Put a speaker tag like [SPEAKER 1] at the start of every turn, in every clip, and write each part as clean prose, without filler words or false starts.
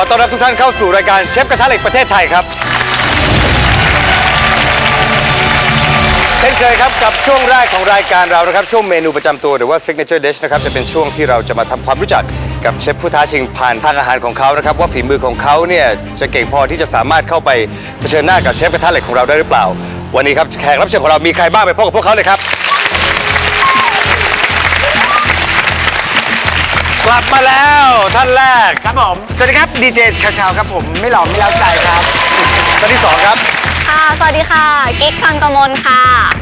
[SPEAKER 1] ต้อนรับทุกท่านเข้าสู่รายการเชฟกระทะเหล็กประเทศไทยครับเช่นเคยครับกับช่วงแรกของรายการเรานะครับช่วงเมนูประจำตัวหรือว่า signature dish นะครับจะเป็นช่วงที่เราจะมาทำความรู้จักกับเชฟผู้ท้าชิงผ่านทางอาหารของเขานะครับว่าฝีมือของเขาเนี่ยจะเก่งพอที่จะสามารถเข้าไปเผชิญหน้ากับเชฟกระทะเหล็กของเราได้หรือเปล่าวันนี้ครับแขกรับเชิญของเรามีใครบ้างไปพบกับพวกเขาเลยครับกลับมาแล้วท่านแรกครับผมสวัสดีครับดีเจชาวๆครับผมไม่หล่อไม่เล้าใจครับท่านที่สองครับ
[SPEAKER 2] ค่ะสวัสดีค่ะกิ๊กคังกมลค่ะ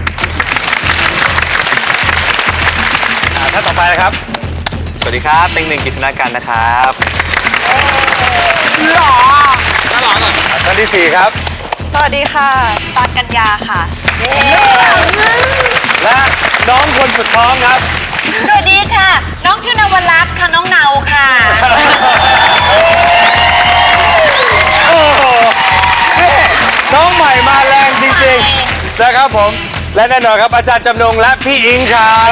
[SPEAKER 1] ท่านต่อไปนะครับ
[SPEAKER 3] สวัสดีครับเต็งหนึ่งกฤษณกันนะครับ
[SPEAKER 2] หล่อ
[SPEAKER 1] ท่านที่สี่ครับ
[SPEAKER 2] สวัสดีค่ะปานกัญญาค่ะ
[SPEAKER 1] และน้องคนสุดท้องครับ
[SPEAKER 2] สวัสดีค่ะน้องชื่อนวรัตน์ค่ะน้องเนาค่ะ
[SPEAKER 1] โอ้โหน้องใหม่มาแรงจริงๆนะครับผมและแน่นอนครับอาจารย์จำนงและพี่อิงครับ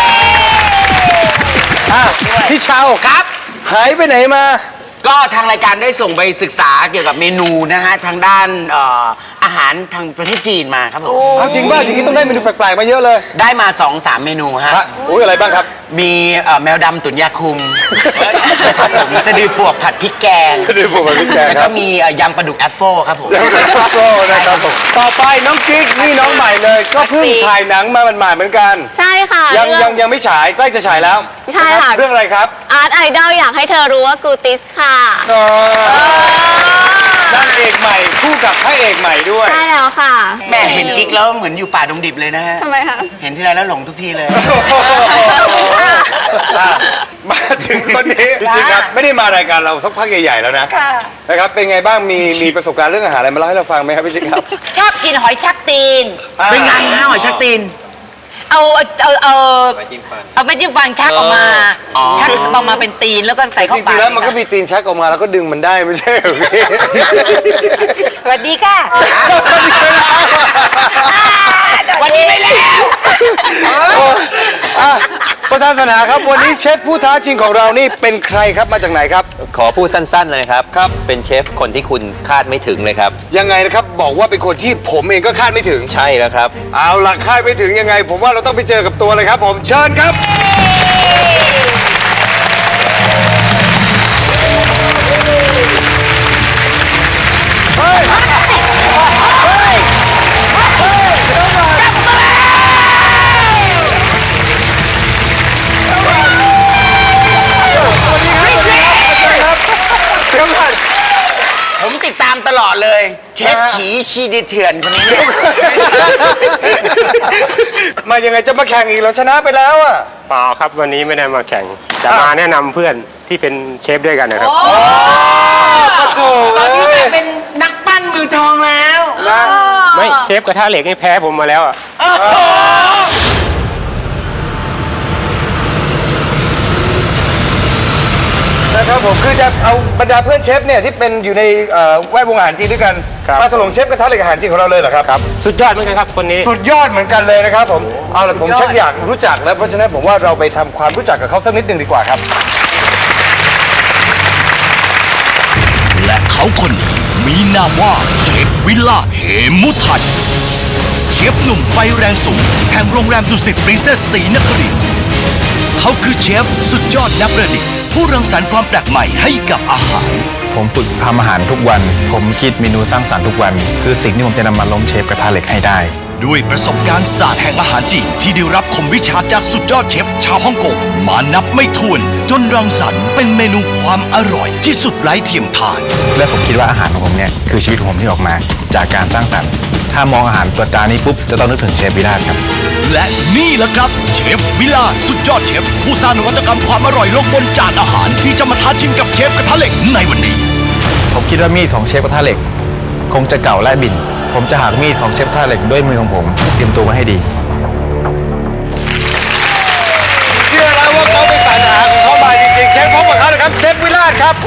[SPEAKER 1] พี่เชาครับหายไปไหนมา
[SPEAKER 4] ก็ทางรายการได้ส่งไปศึกษาเกี่ยวกับเมนูนะฮะทางด้านอาหารทางประเทศจีนมาครับผม
[SPEAKER 1] เอาจริงป่ะอย่างนี้ต้องได้เมนูแปลกๆมาเยอะเลย
[SPEAKER 4] ได้มา 2-3 เมนูฮะ
[SPEAKER 1] อุ้ยอะไรบ้างครับ
[SPEAKER 4] มีแมวดำตุ๋นยาคุมครับผมสะดือปวกผัดพริกแกง
[SPEAKER 1] สะดือปวกผัดพริกแกง
[SPEAKER 4] แล้วก็มียำปลาดุกแอปเปิลครับผม
[SPEAKER 1] ยำปลาดุกแอปเปิลนะครับผมต่อไปน้องกิ๊กนี่น้องใหม่เลยก็เพิ่งถ่ายหนังมาหมาดๆเหมือนกัน
[SPEAKER 2] ใช่ค่ะ
[SPEAKER 1] ยังไม่ฉายใกล้จะฉายแล้ว
[SPEAKER 2] ใช่ค่ะ
[SPEAKER 1] เรื่องอะไรครับ
[SPEAKER 2] อาร์ตไอดอลอยากให้เธอรู้ว่ากูติสค่ะ
[SPEAKER 1] นางเอกใหม่คู่กับพระเอกใหม่ด้วย
[SPEAKER 2] ใช่แล้วค่ะ
[SPEAKER 4] แม่เห็นกิ๊กแล้วเหมือนอยู่ป่าดงดิบเลยนะฮะ
[SPEAKER 2] ทำไมคะ
[SPEAKER 4] เห็นที่ไรแล้วหลงทุกทีเลย
[SPEAKER 1] มาถึงตอนนี้จริงๆครับไม่ได้มารายการเราสักพักใหญ่ๆแล้วนะนะครับเป็นไงบ้างมีประสบการณ์เรื่องอาหารอะไรมาเล่าให้เราฟังไหมครับพี่จิ๊กครับ
[SPEAKER 5] ชอบกินหอยชักตีน
[SPEAKER 4] เป็นไงฮะหอยชักตีน
[SPEAKER 5] เอาไม่จิ้มฟันชักออกมาชักออกมาเป็นตีนแล้วก็ใส่เข้าปาก
[SPEAKER 1] จริงๆแล้วมันก็มีตีนชักออกมาแล้วก็ดึงมันได้ไม่ใช่หรือพี่
[SPEAKER 5] สวัสดีค่ะวันนี้ไม่แล้ว
[SPEAKER 1] ประธานสนาครับวันนี้เชฟผู้ท้าชิงของเรานี่เป็นใครครับมาจากไหนครับ
[SPEAKER 3] ขอพูดสั้นๆเลยครับเป็นเชฟคนที่คุณคาดไม่ถึงเลยครับ
[SPEAKER 1] ยังไงนะครับบอกว่าเป็นคนที่ผมเองก็คาดไม่ถึง
[SPEAKER 3] ใช่แล้วครับ
[SPEAKER 1] เอาล่ะคาดไม่ถึงยังไงผมว่าเราต้องไปเจอกับตัวเลยครับผมเชิญครับ
[SPEAKER 4] ผมติดตามตลอดเลยเชฟฉีชีดิเถื่อนคนนี้
[SPEAKER 1] มายังไงจะมาแข่งอีกเราชนะไปแล้วอ่ะ
[SPEAKER 6] เปล่าครับวันนี้ไม่ได้มาแข่งจะมาแนะนำเพื่อนที่เป็นเชฟด้วยกันนะครับ
[SPEAKER 4] ตอนนี้เป็นนักปั้นมือทองแล้ว
[SPEAKER 1] นะ
[SPEAKER 6] ไม่เชฟกระทะเหล็กนี่แพ้ผมมาแล้วอ่ะ
[SPEAKER 1] นะครับผมคือจะเอาบรรดาเพื่อนเชฟเนี่ยที่เป็นอยู่ในแวดวงอาหารจีนด้วยกันมาถล่มเชฟกระทะเหล็กอาหารจีนของเราเลยเหรอครับ
[SPEAKER 6] ครับสุดยอดเหมือนกันครับคนนี้
[SPEAKER 1] สุดยอดเหมือนกันเลยนะครับผมเอาล่ะผมชักอยากรู้จักแล้วเพราะฉะนั้นผมว่าเราไปทำความรู้จักกับเขาสักนิดหนึ่งดีกว่าครับ
[SPEAKER 7] และเขาคนนี้มีนามว่าเชฟวิลล่าเหมุทัยเชฟหนุ่มไฟแรงสูงแห่งโรงแรมดุสิตปรินเซสศรีนครินทร์เขาคือเชฟสุดยอดนักประดิษฐ์ผู้รังสรรค์ความแปลกใหม่ให้กับอาหาร
[SPEAKER 8] ผมฝึกทำอาหารทุกวันผมคิดเมนูสร้างสรรค์ทุกวันคือสิ่งที่ผมจะนำมาล้มเชฟกระทะเหล็กให้ได้
[SPEAKER 7] ด้วยประสบการณ์ศาสตร์แห่งอาหารจีนที่ได้รับคมวิชาจากสุดยอดเชฟชาวฮ่องกงมานับไม่ถ้วนจนรังสรรค์เป็นเมนูความอร่อยที่สุดไร้เทียมทาน
[SPEAKER 8] และผมคิดว่าอาหารของผมเนี่ยคือชีวิตของผมที่ออกมาจากการสร้างสรรค์ถ้ามองอาหารตัวจานนี้ปุ๊บจะต้องนึกถึงเชฟวิลล่าครับ
[SPEAKER 7] และนี่แหละครับเชฟวิลล่าสุดยอดเชฟผู้สร้างนวัตกรรมความอร่อยลงบนจานอาหารที่จะมาท้าชิงกับเชฟกระทะเหล็กในวันนี้
[SPEAKER 8] ผมคิดว่ามีดของเชฟกระทะเหล็กคงจะเก่าและบิ่นผมจะหักมีดของเชฟกระทะเหล็กด้วยมือของผมเตรียมตัวไว้ให้ดี
[SPEAKER 1] เชื่อแล้วว่าเขาเป็นสายอาหารของเขามาจริงๆเชฟพบกับเขาเลยครับเชฟวิลล่าครับ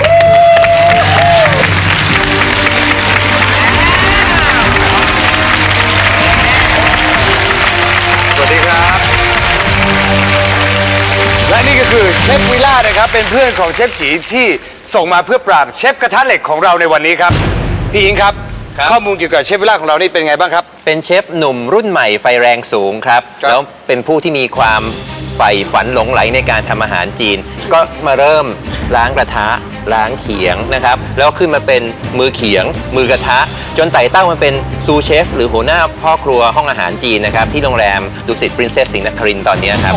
[SPEAKER 1] สวัสดีครับและนี่ก็คือเชฟวิลล่านะครับเป็นเพื่อนของเชฟฉีที่ส่งมาเพื่อปราบเชฟกระทะเหล็กของเราในวันนี้ครับพี่อิงครับ ข้อมูลเกี่ยวกับเชฟวิลล่าของเรานี่เป็นไงบ้างครับ
[SPEAKER 3] เป็นเชฟหนุ่มรุ่นใหม่ไฟแรงสูงครับ
[SPEAKER 1] ครับ
[SPEAKER 3] แล้วเป็นผู้ที่มีความใฝ่ฝันหลงไหลในการทำอาหารจีน ก็มาเริ่มล้างกระทะล้างเขียงนะครับ แล้วขึ้นมาเป็นมือเขียง มือกระทะ จนไต่เต้ามาเป็นซูเชฟหรือหัวหน้าพ่อครัวห้องอาหารจีนนะครับ ที่โรงแรมดุสิตปรินเซสสิงห์นครินทร์ตอนนี้ครับ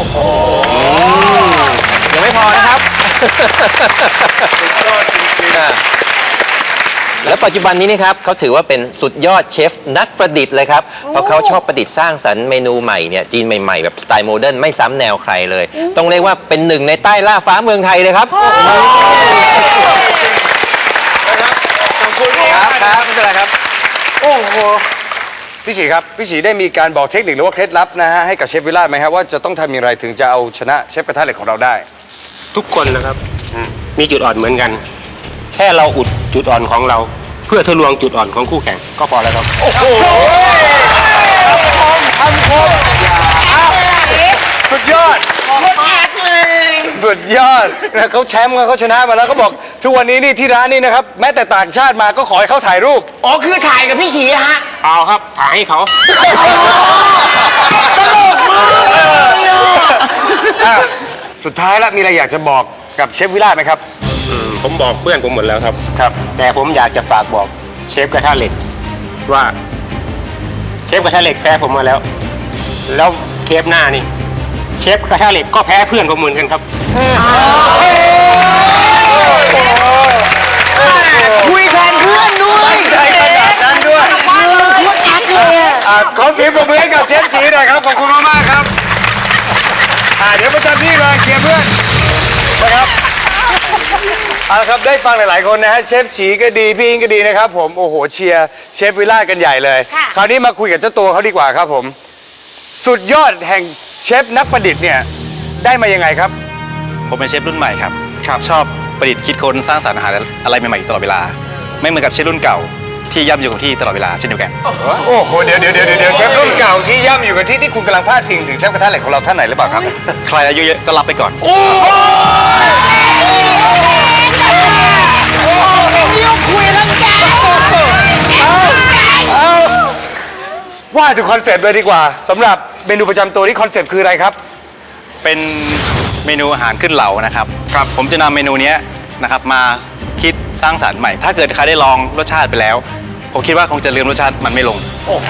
[SPEAKER 3] ยังไม่พอนะครับ แล้วปัจจุบันนี้นะครับเขาถือว่าเป็นสุดยอดเชฟนักประดิษฐ์เลยครับเพราะเขาชอบประดิษฐ์สร้างสรรค์เมนูใหม่เนี่ยจีนใหม่ๆแบบสไตล์โมเดิร์นไม่ซ้ำแนวใครเลย ต้องเรียกว่าเป็นหนึ่งในใต้ล่าฟ้าเมืองไทยเลยครับ
[SPEAKER 1] ขอบคุณครับครับไม่เป็นไรครับโอ้โหพี่ฉีครับพี่ฉีได้มีการบอกเทคนิคหรือว่าเคล็ดลับนะฮะให้กับเชฟวิลล่าไหมครับว่าจะต้องทำอย่างไรถึงจะเอาชนะเชฟกระทะเหล็กของเราได้
[SPEAKER 6] ทุกคนนะครับมีจุดอ่อนเหมือนกัน แค่เราอุดจุดอ่อนของเรา เพื่อทะลวงจุดอ่อนของคู่แข่งก็พอแล้วครับ
[SPEAKER 1] สุดยอดสุดยอดนะเขาแชมป์เขาชนะมาแล้วเขาบอกทุกวันนี้นี่ที่ร้านนี่นะครับแม้แต่ต่างชาติมาก็ขอให้เขาถ่ายรูป
[SPEAKER 4] อ๋อคือถ่ายกับพี่ฉีฮะ
[SPEAKER 6] เอาครับถ่ายให้เขา
[SPEAKER 1] สุดท้ายแล้วมีอะไรอยากจะบอกกับเชฟวิลล่าไหมครับ
[SPEAKER 6] ผมบอกเพื่อนผมหมดแล้วครับ แต่ผมอยากจะฝากบอกเชฟกระทะเหล็กว่าเชฟกระทะเหล็กแพ้ผมมาแล้ว แล้วเทปหน้านี่เชฟกระทะเหล็กก็แพ้เพื่อนผมเหมือนกันครับ
[SPEAKER 4] คุยแทนเพื่อนด้วย
[SPEAKER 1] ใจขนาดนั้นด้วย
[SPEAKER 4] โคตรอักเลยอะ
[SPEAKER 1] ขอเสียงปรบมือให้กับเชฟฉีหน่อยครับขอบคุณมากๆครับเดี๋ยวประจำที่เลยเคลียร์เพื่อนนะครับเอาละครับได้ฟังหลายๆคนนะฮะเชฟฉีก็ดีพี่อิงก็ดีนะครับผมโอ้โหเชียร์เชฟวิลล่ากันใหญ่เลย คราวนี้มาคุยกับเจ้าตัวเขาดีกว่าครับผมสุดยอดแห่งเชฟนักประดิษฐ์เนี่ยได้มายังไงครับ
[SPEAKER 8] ผมเป็นเชฟรุ่นใหม่ครับ ชอบประดิษฐ์คิดค้นสร้างสรรค์อาหารอะไรใหม่ๆอยู่ตลอดเวลา ไม่เหมือนกับเชฟรุ่นเก่าที่ย่ำอยู่กับที่ตลอดเวลาเช่นเดียวกัน
[SPEAKER 1] โอ้โหเดี๋ยวเชฟรุ่นเก่าที่ย่ำอยู่กับที่คุณกำลังพาดพิงถึงเชฟกระทะเหล็กของเราท่านไหนหรือเปล่าครับ
[SPEAKER 8] ใครอายุเยอะก็รับไปก่อน
[SPEAKER 1] ว่าถึงคอนเซปต์เลยดีกว่าสำหรับเมนูประจำตัวที่คอนเซปต์คืออะไรครับ
[SPEAKER 8] เป็นเมนูอาหารขึ้นเหลานะครับ ผมจะนำเมนูเนี้ยนะครับมาคิดสร้างสรรค์ใหม่ ถ้าเกิดใครได้ลองรสชาติไปแล้ว ผมคิดว่าคงจะลืมรสชาติมันไม่ลง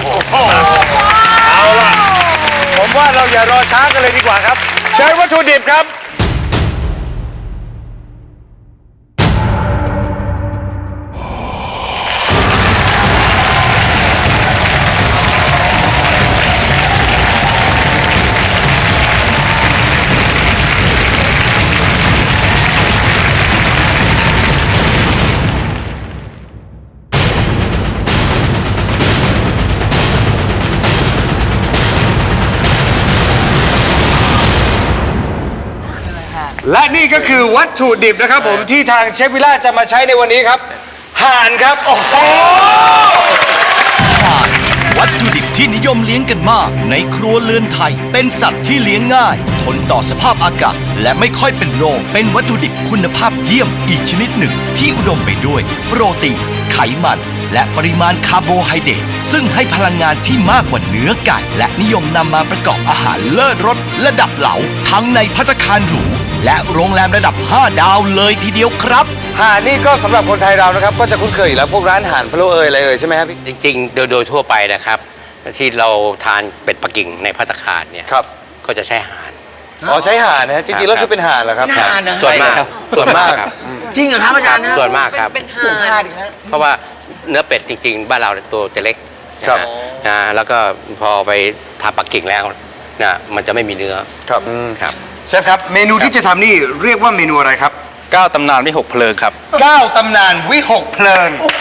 [SPEAKER 1] เอาล่ะผมว่าเราอย่ารอช้ากันเลยดีกว่าครับเชิญวัตถุดิบครับและนี่ก็คือวัตถุดิบนะครับผมที่ทางเชฟวิลล่าจะมาใช้ในวันนี้ครับห่านครับโอ้โห
[SPEAKER 7] ห่านวัตถุดิบที่นิยมเลี้ยงกันมากในครัวเรือนไทย เป็นสัตว์ที่เลี้ยงง่ายทนต่อสภาพอากาศและไม่ค่อยเป็นโรคเป็นวัตถุดิบคุณภาพเยี่ยมอีกชนิดหนึ่งที่อุดมไปด้วยโปรตีนไขมันและปริมาณคาร์โบไฮเดรตซึ่งให้พลังงานที่มากกว่าเนื้อไก่และนิยมนำมาประกอบอาหารเลิศรสระดับเหลาทั้งในภัตตาคารหรูและโรงแรมระดับ 5 ดาวเลยทีเดียวครับ
[SPEAKER 1] ห่านนี่ก็สำหรับคนไทยเรานะครับก็จะคุ้นเคยอยู่แล้วพวกร้านห่านพะโล้อะไรใช่ไหมครับพี่
[SPEAKER 9] จริงๆ โดยทั่วไปนะครับ ที่เราทานเป็ดปักกิ่งในภัตตาคารเนี่ย
[SPEAKER 1] ครับ
[SPEAKER 9] ก็จะใช้ห่าน
[SPEAKER 1] อ๋อใช้ห่านนะฮะจริงๆแล้วคือเป็นห่านเหรอครับ
[SPEAKER 4] เป็นห่านนะ
[SPEAKER 9] ส่วนมากครับ
[SPEAKER 1] ส่วนมาก
[SPEAKER 9] ครับ
[SPEAKER 4] จริงเหรอครับอาจารย์นะ
[SPEAKER 9] ส่วนมากครับ
[SPEAKER 5] เป็นห่าน
[SPEAKER 9] เพราะว่าเนื้อเป็ดจริงๆ บ้านเราตัวจะเล็ก
[SPEAKER 1] ครับ
[SPEAKER 9] นะแล้วก็พอไปทำปักกิ่งแล้วนะมันจะไม่มีเนื้อ
[SPEAKER 1] ครับ
[SPEAKER 9] ครับ
[SPEAKER 1] เชฟครับเมนูที่จะทำนี่เรียกว่าเมนูอะไรครับ
[SPEAKER 8] 9 ตำนานวิหกเพลิงครับ
[SPEAKER 1] 9 ตำนานวิหกเพลิงโอ้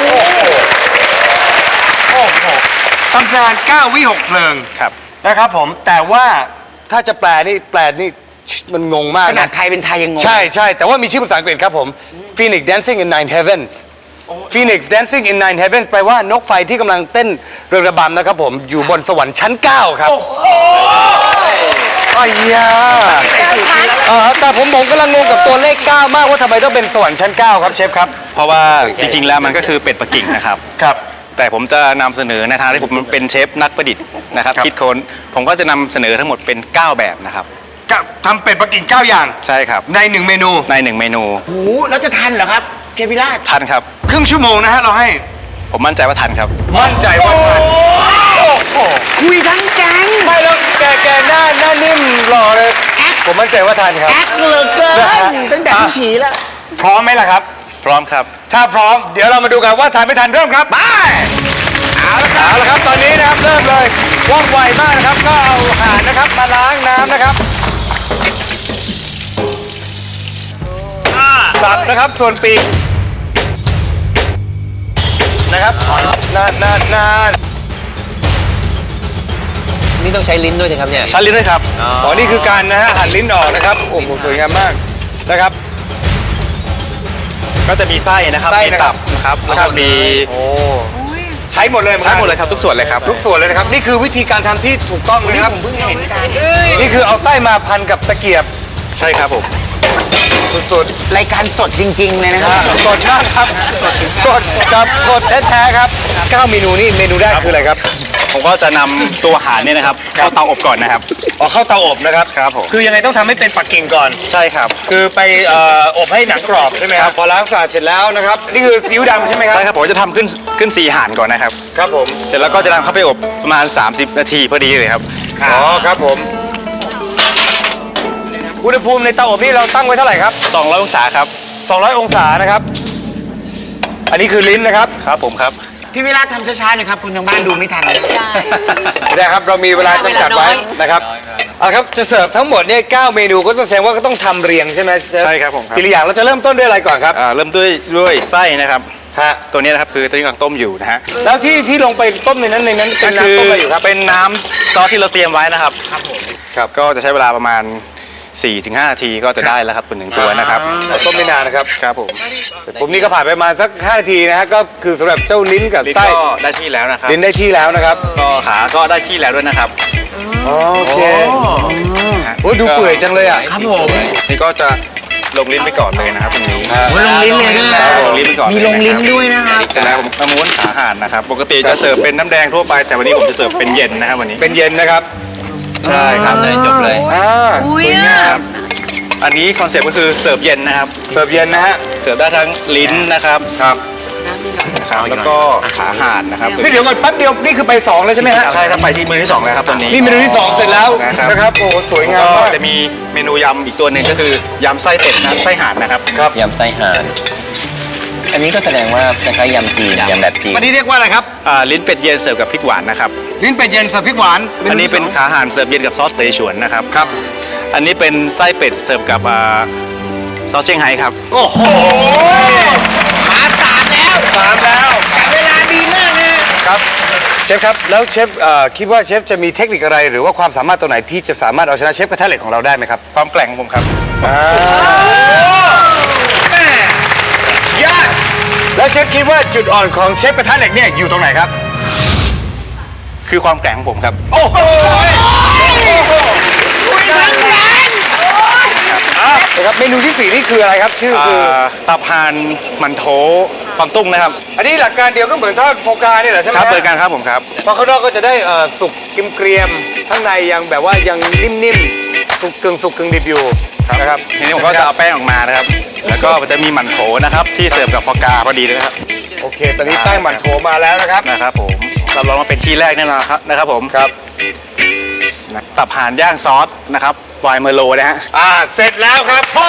[SPEAKER 1] โหตำนาน9 วิหกเพลิง
[SPEAKER 8] ครับ
[SPEAKER 1] นะครับผมแต่ว่าถ้าจะแปลนี่มันงงมาก
[SPEAKER 4] ขนาด
[SPEAKER 1] นะ
[SPEAKER 4] ไทยเป็นไทยยังงง
[SPEAKER 1] ใช่แต่ว่ามีชื่อภาษาอังกฤษครับผม Phoenix Dancing in Nine Heavens Phoenix Dancing in Nine Heavens แปลว่านกไฟที่กำลังเต้นเรืองระบำนะครับผมอยู่บนสวรรค์ชั้น 9 ครับอ้ยาแต่ผมกำลังงงกับตัวเลข 9 มากว่าทำไมต้องเป็นสวรรค์ชั้น 9 ครับเชฟครับ
[SPEAKER 8] เพราะว่าจริงๆแล้วมันก็คือเป็ดปักกิ่งนะครับ
[SPEAKER 1] ครับ
[SPEAKER 8] แต่ผมจะนำเสนอในทางที่ผมเป็นเชฟนักประดิษฐ์นะครับ
[SPEAKER 1] ครับ
[SPEAKER 8] คิดค้นผมก็จะนำเสนอทั้งหมดเป็น 9 แบบนะครับ
[SPEAKER 1] ทำเป็ดปักกิ่ง 9 อย่าง
[SPEAKER 8] ใช่ครับ
[SPEAKER 1] ใน 1 เมนู
[SPEAKER 8] ใน 1 เมนู
[SPEAKER 4] โอ้โหแล้วจะทันเหรอครับเชฟวิราช
[SPEAKER 8] ทันครับ
[SPEAKER 1] ครึ่งชั่วโมงนะฮะเราให้
[SPEAKER 8] ผมมั่นใจว่าทันครับ
[SPEAKER 1] มั่นใจว่าทัน
[SPEAKER 4] คุยทั้งแก๊ง
[SPEAKER 1] ไม่แล้วแกหน้านิ่มหล่อเลย ผมมั่นใจว่าทันครับ
[SPEAKER 4] แอคเหลือเกิ
[SPEAKER 1] นะฮะ
[SPEAKER 4] นตั้งแต่ที่ฉี่แล้ว
[SPEAKER 1] พร้อมไหมล่ะครับ
[SPEAKER 8] พร้อมครับ
[SPEAKER 1] ถ้าพร้อมเดี๋ยวเรามาดูกันว่าทันไม่ทันเริ่มครับไปเอาละครับตอนนี้นะครับเริ่มเลยว่องไวมากนะครับก็เอาห่านนะครับมาล้างน้ำนะครับสับนะครับส่วนปีกนะครับนาน
[SPEAKER 3] นี่ต้องใช้ลิ้นด้วยใช่ครับเนี่ย
[SPEAKER 8] ชั้นลิ้นด้วยครับ
[SPEAKER 1] อ๋อนี่คือการนะฮะหั่นลิ้นออกนะครับโอ้โหสวยงามมากนะครับ
[SPEAKER 8] ก็จะมีไส้นะครับ
[SPEAKER 1] ไส้
[SPEAKER 8] มี
[SPEAKER 1] นะครับ
[SPEAKER 8] ตับนะครับแล้วก็มี
[SPEAKER 1] โอ้ใช้หมดเลย
[SPEAKER 8] ใช้หมดเลยครับทุกส่วนเลยครับ
[SPEAKER 1] ทุกส่วนเลยนะครับนี่คือวิธีการทำที่ถูกต้องเลยนะครับ
[SPEAKER 4] ผมเพิ่งเห็นกัน
[SPEAKER 1] นี่คือเอาไส้มาพันกับตะเกียบ
[SPEAKER 8] ใช่ครับผม
[SPEAKER 1] สุด
[SPEAKER 4] รายการสดจริง ๆ เลยนะ
[SPEAKER 1] ๆ
[SPEAKER 4] ครับ
[SPEAKER 1] สดมากครับสดกับสดแท้ๆครับ9เมนูนี่เมนูแรกคืออะไรครับ
[SPEAKER 8] ผมก็จะนำตัวห่านเนี่ยนะครับเข้าเตาอบก่อนนะครับ
[SPEAKER 1] อ๋อเข้าเตาอบนะครับ
[SPEAKER 8] ครับผม
[SPEAKER 1] คือยังไงต้องทำให้เป็นปักกิ่งก่อน
[SPEAKER 8] ใช่ครับ
[SPEAKER 1] คือไปอบให้หนังกรอบใช่ไหมครับพอล้างสะอาดเสร็จแล้วนะครับนี่คือซีอิ๊วดำใช่ไหมครับ
[SPEAKER 8] ใช่ครับผมจะทำขึ้นสีห่านก่อนนะครับ
[SPEAKER 1] ครับผม
[SPEAKER 8] เสร็จแล้วก็จะนำเข้าไปอบประมาณ 30 นาทีพอดีเลยครับ
[SPEAKER 1] อ๋อครับผมอุณหภูมิในเตาอบนี่เราตั้งไว้เท่าไหร่ครับ
[SPEAKER 8] 200 องศาครับ
[SPEAKER 1] 200 องศานะครับ อันนี้คือลิ้นนะครับ
[SPEAKER 8] ครับผมครับ
[SPEAKER 4] พี่วิราชทำช้าๆหน่อยครับคุณทางบ้านดูไม่ทัน
[SPEAKER 2] ใช่
[SPEAKER 1] นะครับเรามีเวลาจำกัดไว้นะครับเอาละครับจะเสิร์ฟทั้งหมดเนี่ย9เมนูก็จะแสดงว่าก็ต้องทำเรียงใช่ไหมเฟ
[SPEAKER 8] ใช่ครับผมครับ
[SPEAKER 1] ทีละอย่างเราจะเริ่มต้นด้วยอะไรก่อนครับ
[SPEAKER 8] เริ่มด้วยไส้นะครับ
[SPEAKER 1] ฮะ
[SPEAKER 8] ตัวนี้นะครับคือตัวที่กำลังต้มอยู่นะฮะ
[SPEAKER 1] แล้วที่ลงไปต้มในนั้นเป็นน้ำต้มอะไรอยู่ครับ
[SPEAKER 8] เป็นน้ำซอสที่เราเตรียมไว้นะครับครับก็จะใช้เวลาประมาณ 4-5 นาทีก็จะได้แล้วครับเป็นหนึ่งตัวนะครับ
[SPEAKER 1] ต้มไม่นานนะครับ
[SPEAKER 8] ครับผม
[SPEAKER 1] ผมนี่ก็ผ่านไปประมาณสัก5นาทีนะฮะก็คือสำหรับเจ้าลิ้นกับ
[SPEAKER 8] ลิ้น
[SPEAKER 1] ไส้
[SPEAKER 8] ก็ได้ที่แล้วนะครับ
[SPEAKER 1] ลิ้นได้ที่แล้วนะครับ
[SPEAKER 8] ก็ขาก็ได้ที่แล้วด้วยนะครับ
[SPEAKER 1] โอเคโอ้ดูเปื่อยจังเลยอ่ะ
[SPEAKER 4] ครับผม
[SPEAKER 8] นี่ก็จะลงลิ้นไปก่อนเลยนะครับตรงนี้
[SPEAKER 4] โอ้ลงลิ้นเลยนะ
[SPEAKER 8] ลงลิ้นไปก่อน
[SPEAKER 4] มีลงลิ้นด้วยนะครับ
[SPEAKER 8] เสร็จแล้วผมก็ม้วนขาห่านนะครับ ปกติจะเสิร์ฟเป็นน้ำแดงทั่วไป แต่วันนี้ผมจะเสิร์ฟเป็นเย็นนะครับวันนี้
[SPEAKER 1] เป็นเย็นนะครับ
[SPEAKER 8] ใช่ครับ
[SPEAKER 3] เลยจบเลย
[SPEAKER 2] อุ้ย
[SPEAKER 8] ครับอันนี้คอนเซ็ปต์ก็คือเสิร์ฟเย็นนะครับ
[SPEAKER 1] เสิร์ฟเย็นนะฮะ
[SPEAKER 8] เสิร์ฟได้ทั้งลิ้นนะครับ
[SPEAKER 1] ครับ
[SPEAKER 8] นะครับแล้วก็ขาห่านนะครับ
[SPEAKER 1] นี่เดี๋ยวก่อนแป๊บเดียวนี่คือไป2เลยใช่ไหมฮะ
[SPEAKER 8] ใช่ครับไปที่มือที่2แล้วครับตอนนี้
[SPEAKER 1] นี่เมนูที่ 2 เสร็จแล้ว
[SPEAKER 8] นะครับ
[SPEAKER 1] นะครับโอ้สวยงาม
[SPEAKER 8] ก็
[SPEAKER 1] มาก
[SPEAKER 8] จะมีเมนูยำอีกตัวหนึ่งก็คือยำไส้เป็ดนะไส้ห่านนะครับ
[SPEAKER 3] ยำไส้ห่าน อันนี้ก็แสดงว่าคล้ายๆยำจีนยำแบบจีน
[SPEAKER 1] อันนี้เรียกว่าอะไรครับ
[SPEAKER 8] ลิ้นเป็ดเย็นเสิร์ฟกับพริกหวานนะครับ
[SPEAKER 1] ลิ้นเป็ดเย็นเสิร์ฟพริกหวาน
[SPEAKER 8] อันนี้เป็นขาห่านเสิร์ฟเย็นกับซอสเสฉวนนะครับ
[SPEAKER 1] ครับ
[SPEAKER 8] อันนี้เป็นไส้เป็ดเสิร์ฟกับซอสเชียงไฮ้ครับ
[SPEAKER 1] โอ้โห
[SPEAKER 4] มา3แล้ว
[SPEAKER 1] 3แล้ว
[SPEAKER 4] แต่เวลาดีมากนะครับ
[SPEAKER 1] เชฟครับแล้วเชฟคิดว่าเชฟจะมีเทคนิคอะไร หรือว่าความสามารถตัวไหนที่จะสามารถเอาชนะเชฟกระทะเหล็กของเราได้ไหมครับ
[SPEAKER 8] ความแกร่งของผมครับ
[SPEAKER 1] ยอดแล้วเชฟคิดว่าจุดอ่อนของเชฟกระทะเหล็กเนี่ยอยู่ตรงไหนครับ
[SPEAKER 8] คือความแกร่งของผมครับ
[SPEAKER 1] โอ้โหนะครับเมนูที่ 4 นี่คืออะไรครับ ชื่อคือ
[SPEAKER 8] ตับห่านมันโถปอนตุ้งนะครับ
[SPEAKER 1] อันนี้หลักการเดียวก็เหมือนทอดโฟกาเนี่ยแหละใช่ไหม
[SPEAKER 8] ครับ
[SPEAKER 1] ฮะ
[SPEAKER 8] เปิดกันครับผมครับ
[SPEAKER 1] เพราะข้างนอกก็จะได้สุกเกรียมๆข้างในยังแบบว่ายังนิ่มๆสุกกึ่งดิบอยู่นะครับ
[SPEAKER 8] ทีนี้ผมก็จะเอาแป้งออกมานะครับ แล้วก็จะมีหมันโถนะครับที่เสิร์ฟกับฟอกาพอดีเลยนะครับ
[SPEAKER 1] โอเค ตอนนี้แป้งหมั่นโถมาแล้วนะครับ
[SPEAKER 8] นะครับผมรับรองว่าเป็นที่แรกแน่นอนนะครับผม
[SPEAKER 1] ครับ
[SPEAKER 8] ตับห่านย่างซอสนะครับไวน์เมอร์โลนะฮะ
[SPEAKER 1] เสร็จแล้วครับพ่อ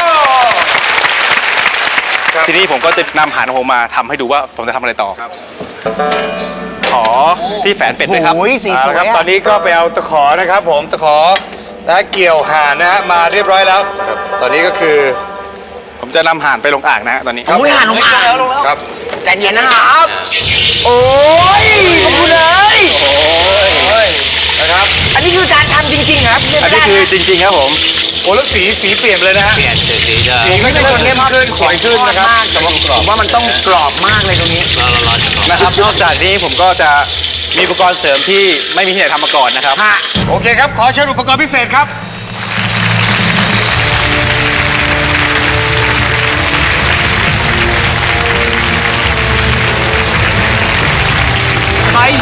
[SPEAKER 8] ทีนี้ผมก็จะนำห่านของผมมาทำให้ดูว่าผมจะทำอะไรต่อขอที่แฝนเป็ดด้วยครับ
[SPEAKER 4] โอ้ยสีสวย
[SPEAKER 1] ครับ
[SPEAKER 4] อะ
[SPEAKER 1] ตอนนี้ก็ไปเอาตะขอนะครับผมตะขอนะเกี่ยวห่านนะฮะมาเรียบร้อยแล้วครับตอนนี้ก็คือ
[SPEAKER 8] ผมจะนำห่านไปลงอ่างนะฮะตอนนี้
[SPEAKER 4] โอ้ยหันลงอ่าง
[SPEAKER 1] ครับ
[SPEAKER 4] ใจเย็นนะครับ
[SPEAKER 1] โอ้ยขอบคุณเลยนะครับ
[SPEAKER 4] อันนี้คือการทำจริงๆครับ
[SPEAKER 8] อันนี้คือจริงๆครับผม
[SPEAKER 1] โอ้แล้วสีเปลี่ยนเลยนะฮะ
[SPEAKER 3] เปลี่ยนสีจะ
[SPEAKER 1] สีก็จะเริ่มเข้มขึ้นสวยขึ้นนะครับ
[SPEAKER 4] แต่ว่าผมว่ามันต้องกรอบมากเลยตรงนี้
[SPEAKER 8] นะครับนอกจากนี้ผมก็จะมีอุปกรณ์เสริมที่ไม่มีที่ไหนทำมาก่อนนะครับ
[SPEAKER 1] โอเคครับขอเชิญอุปกรณ์พิเศษครับ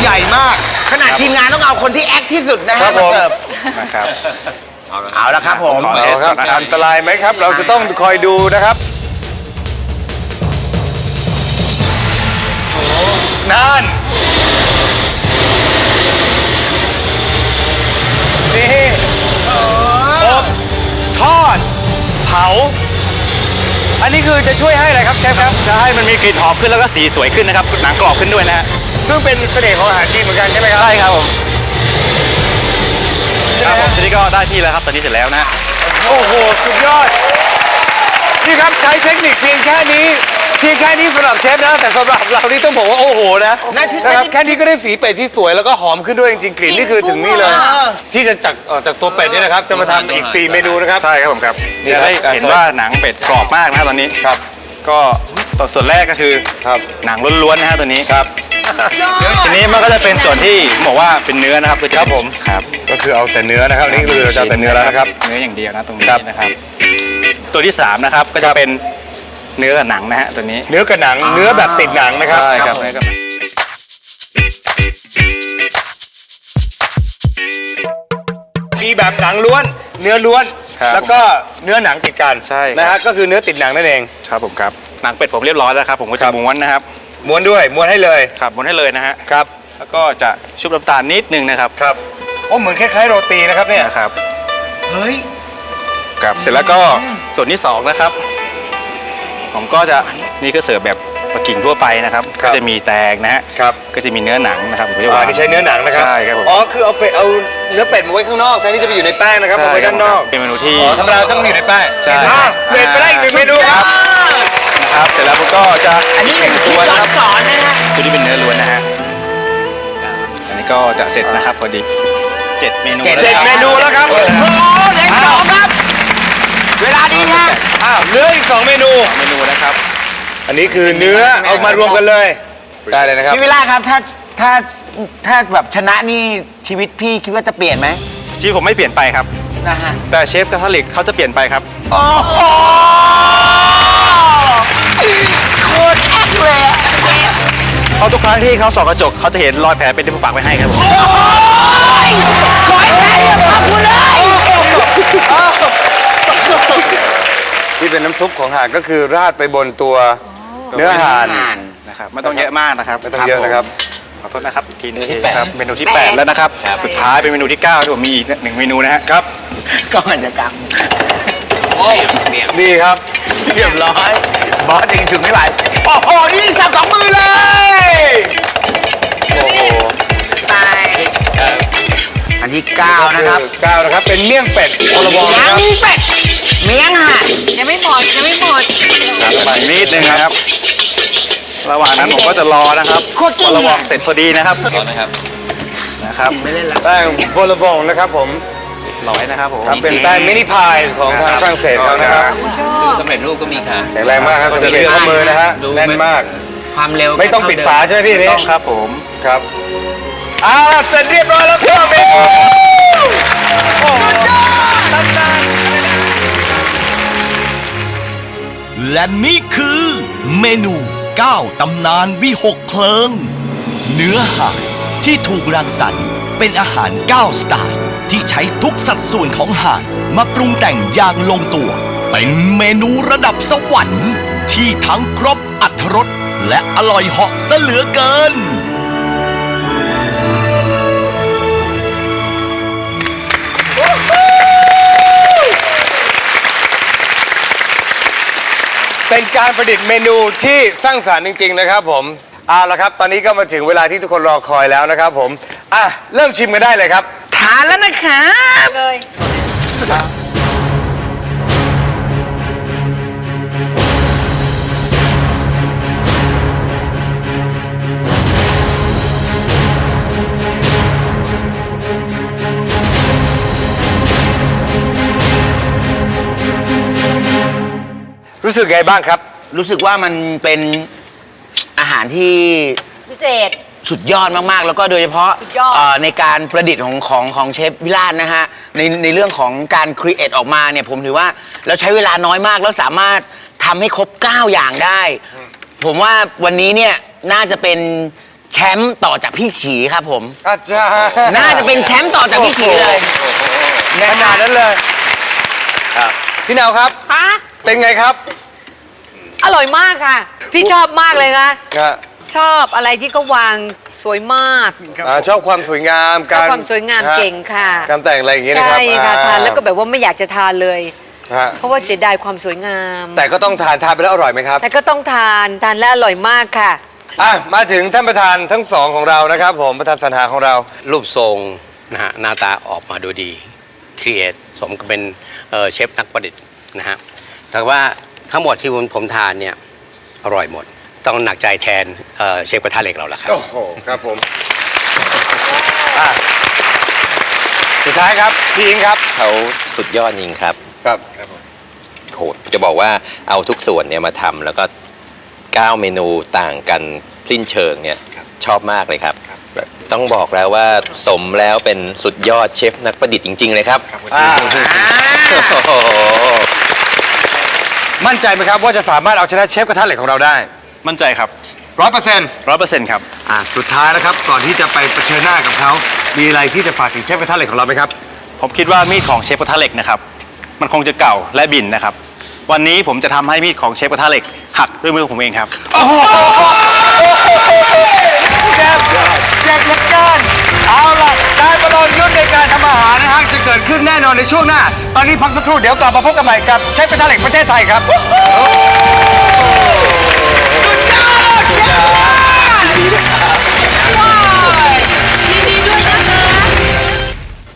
[SPEAKER 4] ใหญ่มาก ขนาดทีมงานต้องเอาคนที่แอคที่สุดนะ
[SPEAKER 1] ครั
[SPEAKER 4] ฮะ
[SPEAKER 1] บ
[SPEAKER 4] มา
[SPEAKER 1] ผม
[SPEAKER 4] เสิร์ฟ
[SPEAKER 8] นะครับ
[SPEAKER 4] เอาละครับผม
[SPEAKER 1] เอาครับอันตรายไหมครับ เราจะต้องคอยดูนะครับนั่นนี่อบทอดเผา อันนี้คือจะช่วยให้อะไรครับเชฟครับ
[SPEAKER 8] จะให้มันมีกลิ่นหอมขึ้นแล้วก็สีสวยขึ้นนะครับ หนังกรอบขึ้นด้วยนะฮะ
[SPEAKER 1] ซึ่งเป็นเสน่ห์ของอาหารจีนเหมือนกันใช่ไหมครับ
[SPEAKER 8] ใช่ครับผมครับผมทีนี้ก็ได้ที่แล้วครับ ตอนนี้เสร็จแล้วนะ
[SPEAKER 1] โอ้โห สุดยอด นี่ครับใช้เทคนิคเพียงแค่นี้สำหรับเชฟนะ แต่สำหรับเรานี่ต้องบอกว่าโอ้โหนะนะครับแค่นี้ก็ได้สีเป็ดที่สวยแล้วก็หอมขึ้นด้วยจริงๆกลิ่นนี่คือถึงนี่เลย ที่จะจากตัวเป็ดนี่นะครับจะมาทำอีก 4 เมนูนะครับ
[SPEAKER 8] ใช่ครับผมครับ
[SPEAKER 1] นี่
[SPEAKER 8] จะ
[SPEAKER 1] ครับ
[SPEAKER 8] ได้เห็นว่าหนังเป็ดกรอบมากนะครับตอนนี้
[SPEAKER 1] ครับ
[SPEAKER 8] ก็ส่วนแรกก็คือ
[SPEAKER 1] ครับ
[SPEAKER 8] หนังล้วนๆนะฮะตัวนี้
[SPEAKER 1] ครับ
[SPEAKER 8] ทีนี้มันก็จะเป็นส่วนที่บอกว่าเป็นเนื้อนะครับคือจะ
[SPEAKER 1] ครับผม
[SPEAKER 8] ครับ
[SPEAKER 1] ก็คือเอาแต่เนื้อนะครับนี่คือเราจะเอาแต่เนื้อแล้วนะครับ
[SPEAKER 8] เนื้ออย่างเดียวนะตรงนี้
[SPEAKER 1] ครับ
[SPEAKER 8] นะครับ ตัวที่3นะครับก็จะเป็นเนื้อกับหนังนะฮะตัวนี้
[SPEAKER 1] เนื้อกับหนังเนื้อแบบติดหนังนะครับ
[SPEAKER 8] ใช่ครับเนื้อกับ
[SPEAKER 1] มีแบบหนังล้วนเนื้อล้วน
[SPEAKER 8] ครับ
[SPEAKER 1] แล้วก็เนื้อหนังติดกัน
[SPEAKER 8] ใช่ครับ
[SPEAKER 1] นะฮะก็คือเนื้อติดหนังนั่นเอง
[SPEAKER 8] ครับผมครับหนังเป็ดผมเรียบร้อยแล้วครับผมก็
[SPEAKER 1] ครั
[SPEAKER 8] จะ
[SPEAKER 1] บ
[SPEAKER 8] ม้วนนะครับ
[SPEAKER 1] ม้วนด้วยม้วนให้เลย
[SPEAKER 8] ครับม้วนให้เลยนะฮะ
[SPEAKER 1] ครับ
[SPEAKER 8] แล้วก็จะชุบน้ำตาลนิดนึงนะครับ
[SPEAKER 1] ครับโอ้เหมือนคล้ายๆโรตีนะครับเนี่ย
[SPEAKER 8] นะครับ
[SPEAKER 4] เฮ้ย
[SPEAKER 8] ครับเสร็จแล้วก็ส่วนที่2นะครับ ผมก็จะนี่ก็เสิร์ฟแบบปักกิ่งทั่วไปนะครับ
[SPEAKER 1] ครั
[SPEAKER 8] ก็
[SPEAKER 1] บ
[SPEAKER 8] จะมีแตงนะฮะ
[SPEAKER 1] ครับ
[SPEAKER 8] ก็จะมีเนื้อหนังนะครับผมจะ
[SPEAKER 1] อ๋อ
[SPEAKER 8] วาง
[SPEAKER 1] นี่ใช้เนื้อหนังนะครับ
[SPEAKER 8] ใช่ครับผม
[SPEAKER 1] อ๋อคือเอาเนื้อเป็ดมาไว้ข้างนอกแทนที่จะไปอยู่ในแป้งนะครับมาไว้ด้านนอก
[SPEAKER 8] เป็นเมนูที่
[SPEAKER 1] อ๋อธรรมดาต้องอยู่ในแป้ง
[SPEAKER 8] ใช่
[SPEAKER 1] อ่ะเสร็จไปได้อีก1 เมนูครับ
[SPEAKER 8] นะครับเสร็จแล้วผมก็จะ
[SPEAKER 4] อันนี้เป็น
[SPEAKER 8] ตัว
[SPEAKER 4] ย้อ
[SPEAKER 8] นะ
[SPEAKER 4] น
[SPEAKER 8] ครับ
[SPEAKER 4] สอนนะฮะ
[SPEAKER 8] ตัวนี้เป็นเนื้อล้วนนะฮะอันนี้ก็จะเสร็จนะครับพอดี7 เมนู
[SPEAKER 4] เจ็ด
[SPEAKER 8] แล้ว
[SPEAKER 1] 7 เมนูแล้วครับ
[SPEAKER 4] โอ้โหเหลือสองครับ เวลาดีฮะ
[SPEAKER 1] อ้าวเหลืออีก2 เมนู
[SPEAKER 8] เมนูนะครับ
[SPEAKER 1] อันนี้คือเนื้อเอามารวมกันเลยได้เลยนะครับ
[SPEAKER 4] พี่วิลาครับถ้าแบบชนะนี่ชีวิตพี่คิดว่าจะเปลี่ยนไหม
[SPEAKER 8] ชีวิตผมไม่เปลี่ยนไปครับ
[SPEAKER 4] นะฮะ
[SPEAKER 8] แต่เชฟกระทะเหล็กเขาจะเปลี่ยนไปครับ
[SPEAKER 4] โอ้โหโคตรแอคเลยอะ
[SPEAKER 8] เพราะทุกครั้งที่เขาส่องกระจกเขาจะเห็นรอยแผลเป็นที่ผมฝากไว้ให้ครับผม
[SPEAKER 4] ขอให้แพ้เรื่องขอบคุณเลย
[SPEAKER 1] ที่เป็นน้ำซุปของห่านก็คือราดไปบนตัวเนื้อห่าน
[SPEAKER 8] นะครับไม่ต้องเยอะมากนะครับ
[SPEAKER 1] ไม่ต้องเยอะนะครับ
[SPEAKER 8] ขอโทษนะครับอีกทีนึงครับเมนูที่ 8 แล้วนะครับ สุดท้ายเป็นเมนูที่9ที่ผมมีอีก1 เมนูนะฮะ
[SPEAKER 1] ครับ
[SPEAKER 4] ก็เหมือนจะกรรม
[SPEAKER 1] นี่ครับ
[SPEAKER 4] เรียบร้อยบอสยังถึงไม่ไหวโอ้โหนี่สับสองมือเลย
[SPEAKER 1] โอ้โห
[SPEAKER 5] ตาย
[SPEAKER 4] อันที่9นะครับ
[SPEAKER 1] 9นะครับเป็นเมี่ยงเป็ดโอลบอง
[SPEAKER 4] ยั
[SPEAKER 1] นะ
[SPEAKER 4] ง
[SPEAKER 1] ครับ
[SPEAKER 4] มีเป็ดเมียงห่าน
[SPEAKER 5] ยังไม่หมดยังไม่หมด
[SPEAKER 8] ไปนิดนึงนะครับ ระหว่างนั้นผมก็จะรอนะครับ
[SPEAKER 4] โคตรเก่ง
[SPEAKER 8] พอระวองเสร็จพอดีนะครับ
[SPEAKER 3] รอนะครับ
[SPEAKER 8] นะครับ
[SPEAKER 4] ไม่เล่นละ
[SPEAKER 1] แป้งโอลบองนะครับผม
[SPEAKER 8] ร้อยนะครับผม
[SPEAKER 1] ครับเป็นแป้งมินิพายของทางฝรั่งเศสเขานะครับ
[SPEAKER 3] ซื้อสำเร็จรูปก็มีค่ะ
[SPEAKER 1] แข็งแรงมากครับสังเกตข้อมือนะฮะแน่นมาก
[SPEAKER 4] ความเร็ว
[SPEAKER 1] ไม่ต้องปิดฝาใช่ไหมพี่นี่
[SPEAKER 8] ต้องครับผม
[SPEAKER 1] ครับเสร็จเรียบร้อยแล้วครับเมนูโอ้โห
[SPEAKER 7] และนี่คือเมนู 9 ตำนานวิหกเพลิง เนื้อห่านที่ถูกรังสรรค์เป็นอาหาร 9 สไตล์ที่ใช้ทุกสัดส่วนของห่านมาปรุงแต่งอย่างลงตัว เป็นเมนูระดับสวรรค์ที่ทั้งครบอรรถรสและอร่อยเหาะซะเหลือเกิน
[SPEAKER 1] เป็นการประดิษฐ์เมนูที่สร้างสรรค์จริง ๆ นะครับผมเอาละครับ ตอนนี้ก็มาถึงเวลาที่ทุกคนรอคอยแล้วนะครับผมเริ่มชิมกันได้เลยครับ
[SPEAKER 4] ทานแล้วนะครับ
[SPEAKER 2] เลย
[SPEAKER 1] รู้สึกไงบ้างครับ
[SPEAKER 4] รู้สึกว่ามันเป็นอาหารที่
[SPEAKER 2] พิเศษ
[SPEAKER 4] สุดยอดมากๆ แล้วก็โดยเฉพาะ
[SPEAKER 2] สุดยอด
[SPEAKER 4] ในการประดิษฐ์ของเชฟวิลาศนะฮะในเรื่องของการครีเอทออกมาเนี่ยผมถือว่าเราใช้เวลาน้อยมากแล้วสามารถทำให้ครบ 9 อย่างได้ ผมว่าวันนี้เนี่ยน่าจะเป็นแชมป์ต่อจากพี่ฉีครับผม
[SPEAKER 1] อาจารย์
[SPEAKER 4] น่าจะเป็นแชมป์ต่อจากพี่ฉีเลย
[SPEAKER 1] ขนาดนั้นเลยพี่นาวครับ
[SPEAKER 5] คะ
[SPEAKER 1] เป็นไงครับ
[SPEAKER 5] อร่อยมากค่ะ พี่ชอบมากเลยนะ
[SPEAKER 1] อ่ะ
[SPEAKER 5] ชอบอะไรที่เขาวางสวยมาก
[SPEAKER 1] ชอบความสวยงาม
[SPEAKER 5] ชอบความสวยงามเก่งค่ะ
[SPEAKER 1] การแต่งอะไรอย่างเงี้ยนะครับ
[SPEAKER 5] ใช่ค่ะทานแล้วก็แบบว่าไม่อยากจะทานเลย
[SPEAKER 1] ฮะ
[SPEAKER 5] เพราะว่าเสียดายความสวยงาม
[SPEAKER 1] แต่ก็ต้องทานไปแล้วอร่อยไหมครับ
[SPEAKER 5] แต่ก็ต้องทานแล้วอร่อยมากค่ะ
[SPEAKER 1] มาถึงท่านประธานทั้งสองของเรานะครับผมประธานสรรหาของเรา
[SPEAKER 9] รูปทรงนะฮะหน้าตาออกมาดูดีครีเอทสมกับเป็นเชฟนักประดิษฐ์นะฮะแต่ว่าทั้งหมดที่ผมทานเนี่ยอร่อยหมด ต้องหนักใจแทนเชฟกระทะเหล็กเราละครับ
[SPEAKER 1] โอ้โหครับผมสุดท้ายครับพี่อิงครับ
[SPEAKER 3] เขาสุดยอดจริงครับ
[SPEAKER 1] ครับ
[SPEAKER 3] โหจะบอกว่าเอาทุกส่วนเนี่ยมาทำแล้วก็9เมนูต่างกันสิ้นเชิงเนี่ยชอบมากเลยครับ ต้องบอกแล้วว่าสมแล้วเป็นสุดยอดเชฟนักประดิษฐ์จริง ๆ เลยครับ โอ้โห
[SPEAKER 1] มั่นใจไหมครับว่าจะสามารถเอาชนะเชฟกระทะเหล็กของเราได้
[SPEAKER 8] มั่นใจครับ
[SPEAKER 1] 100%
[SPEAKER 8] 100%ครับ
[SPEAKER 1] สุดท้ายนะครับก่อนที่จะไปเผชิญหน้ากับเขามีอะไรที่จะฝากถึงเชฟกระทะเหล็กของเราไหมครับ
[SPEAKER 8] ผมคิดว่ามีดของเชฟกระทะเหล็กนะครับ มันคงจะเก่าและบิ่นนะครับ วันนี้ผมจะทำให้มีดของเชฟกระทะเหล็กหักด้วยมือผมเองครับ
[SPEAKER 1] เจ็บเหลือเกินเอาล่ะการประลองยุทธในการทำอาหารนะฮะจะเกิดขึ้นแน่นอนในช่วงหน้า ตอนนี้พักสักครู่เดี๋ยวกลับมาพบกันใหม่กับเชฟกระทะเหล็กประเทศไทยครับ